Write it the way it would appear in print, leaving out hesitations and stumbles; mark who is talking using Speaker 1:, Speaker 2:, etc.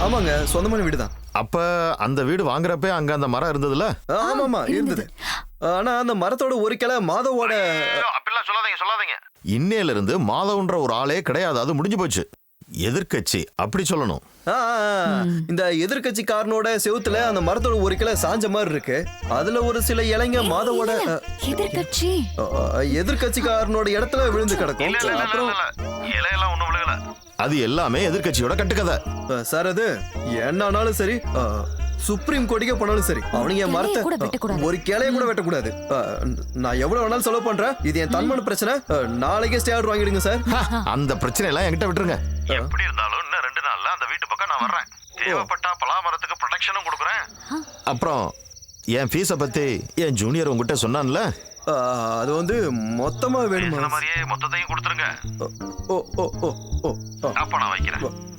Speaker 1: ஆமாங்க, சொந்தமான வீடு தான்.
Speaker 2: அப்ப அந்த வீடு வாங்குறப்ப அங்க அந்த மரம் இருந்ததுல?
Speaker 1: ஆமாமா, இருந்தது. ஆனா அந்த மரத்தோட ஒரு கிளை மாதவோட.
Speaker 2: அப்படிலாம் சொல்லாதீங்க. இன்னையில இருந்து மாதவன்ற ஒரு ஆளே கிடையாது, அது முடிஞ்சு போச்சு. எதிர்க்கட்சி அப்படி சொல்லணும்.
Speaker 1: இந்த எதிர்கட்சிக்காரனோட செவுத்துல அந்த மரத்தோட ஒரு கிளை சாஞ்ச மாதிரி இருக்கு. அதுல ஒரு சில இலைங்க மாதவோட எதிர்கட்சிக்காரனோட இடத்துல விழுந்து கிடக்கும். அப்புறம்
Speaker 2: இலையெல்லாம் ஒண்ணும் விழுகல. அது எல்லாமே எதிர்க்கட்சியோட கட்டுக்கதை
Speaker 1: சார். அது என்னன்னாலும் சரி, சுப்ரீம் கோர்ட்டுக்கே போனாலும் சரி, அவனுங்க மரத்தை ஒரு கிளைய கூட வெட்டக்கூடாது. நான் எவ்வளவு வேணாலும் செலவு பண்றேன். இது என் தன்மான பிரச்சனை. நாளைக்கே ஸ்டே ஆர்டர் வாங்கிடுங்க சார்.
Speaker 2: அந்த பிரச்சனை எல்லாம் என்கிட்ட விட்டுருங்க. எப்படி இருந்தாலும் இன்னும் 2 நாள்ல அந்த வீட்டு பக்கம் நான் வர்றேன். தேவைப்பட்டா பலாமரத்துக்கு ப்ரொடெக்ஷனும் கொடுக்குறேன். அப்புறம் என் ஃபீஸை பத்தி என் ஜூனியர் உங்ககிட்ட சொன்னான்ல,
Speaker 1: அது வந்து மொத்தமா வேணுமா?
Speaker 2: மொத்தத்தையும் கொடுத்துருங்க.
Speaker 1: ஓ ஓ ஓ ஓ
Speaker 2: அப்ப நான் வைக்கிறேன்.